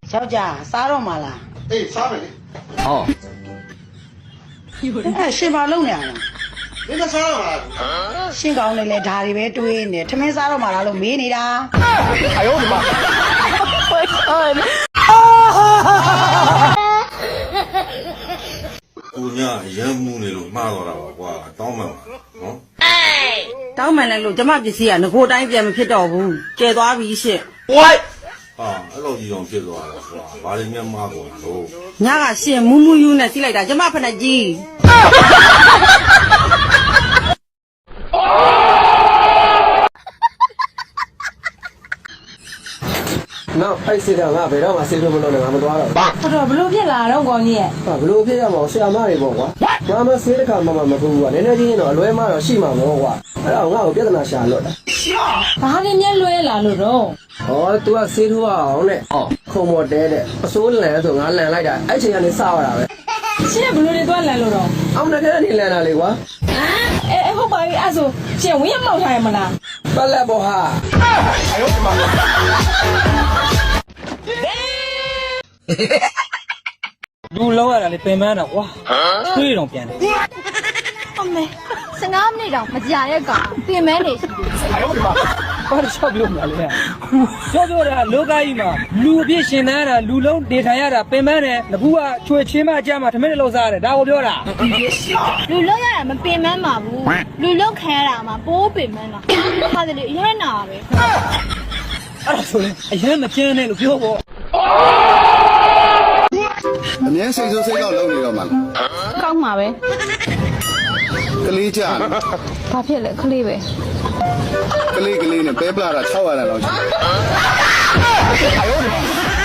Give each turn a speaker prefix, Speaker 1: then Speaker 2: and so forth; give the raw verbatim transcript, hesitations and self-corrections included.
Speaker 1: ယောက်ျားစားတော့မှာလားအေးစားမယ်လေဟောအဲ့ရှင်ဘာလုပ်နေရလဲမင်းမစားတော့လားရှင်ကောင်းနေလေဒါတွေပဲတွေးနေထမင်းစားတော့မှာလားလို့မေးနေတာအယောဒီမှာ
Speaker 2: ကိုညာရမ်းမှုနေလို့မှားတော့တာပါကွာတောင်းမှန်ပါနော်
Speaker 1: တောင်းမှန်လိုက်လို့ကျမပစ္စည်းကငကိုတိုင်းပြန်မဖြစ်တော့ဘူးကျဲသွားပြီရှင့်
Speaker 2: ဝိုက်ဟာအဲ့လိုကြီးအောင်ဖြစ်သွားတာကွာဘာလို့များမှားကုန်လို့
Speaker 1: ညကရှင်မူးမူးယူနဲ့စီးလိုက်တာကျမဖက်နဲ့ကြီး
Speaker 3: နောက်အဲ့စစ်တာငါဘယ်တော့မှဆေးထုတ်မလုပ်နဲ့ငါမသွားတော့
Speaker 1: ဘူးတော်ဘလို့ဖြစ်လာတော့ကောင်းကြီးရဲ့
Speaker 3: ဟာဘလို့ဖြစ်ရမှာဆရာမတွေပေါ့ကွာငါမဆေးတစ်ခါမှမမကူဘူးကွာနည်းနည်းချင်းတော့အလွဲမှတော့ရှိမှာမဟုတ်ကွာအဲ့ဒါငါ့ကိုပြဿနာရှာလွတ်တာ
Speaker 1: ဘာလို့မျက်လွဲလာလို့တော့
Speaker 3: ဟော तू ကဆေးထိုးအောင်နဲ့ခုံမော်တဲတဲ့အစိုးလန်ဆိုငါလန်လိုက်တာအဲ့ချိန်ကနေစရတာပဲ
Speaker 1: ရှင်းဘလို့တွေသွားလန်လို့တော့
Speaker 3: အောင်တကယ်နေလန်တာလေကွာ
Speaker 1: အဲအဲဟုတ်ပါပြီအဲ့ဆိုရှင်းဝင်းရမောက်ထားရမလား
Speaker 3: ပတ်လက်ပေါ်ဟာအယောဒီမှာ
Speaker 4: လူလောက်ရတာလေပင်ပန်းတော့ကွာတွေးတော့ပြန်တယ်
Speaker 5: အမေဆယ်ငါးမိနစ်တောင်မကြာရဲ့ကောင်ပြင်မဲနေရှိ
Speaker 4: တယ်ဘာလို့ချောက်ပြောမလဲပြောပြောတာလောကကြီးမှာလူအပြည့်ရှင်သန်ရတာလူလုံးနေထိုင်ရတာပင်ပန်းတယ်ငကူကချွေချင်းမအကြမှာထမင်းလောက်စားရတယ်ဒါကိုပြောတာ
Speaker 5: လူလုံးရတာမပင်မန်းပါဘူးလူလုံးခံရတာမှာပိုးပင်မန်းတာဟာတယ်လေအရင်နာပဲ
Speaker 4: အဲ့ဒါဆိုရင်အရင်မကျန်းနဲ့လို့ပြောပေါ့
Speaker 6: အမြဲစိတ်ဆိုးစိတ်ကောက်လုံးနေတော့မှ
Speaker 5: ကောင်းမှာပဲ
Speaker 6: ကလေးကြ
Speaker 5: ဘာဖြစ်လဲကလေးပဲ
Speaker 6: ကလေးကလေးနဲ့ပဲပလာတာ၆ရတာလောက်ရှိတယ်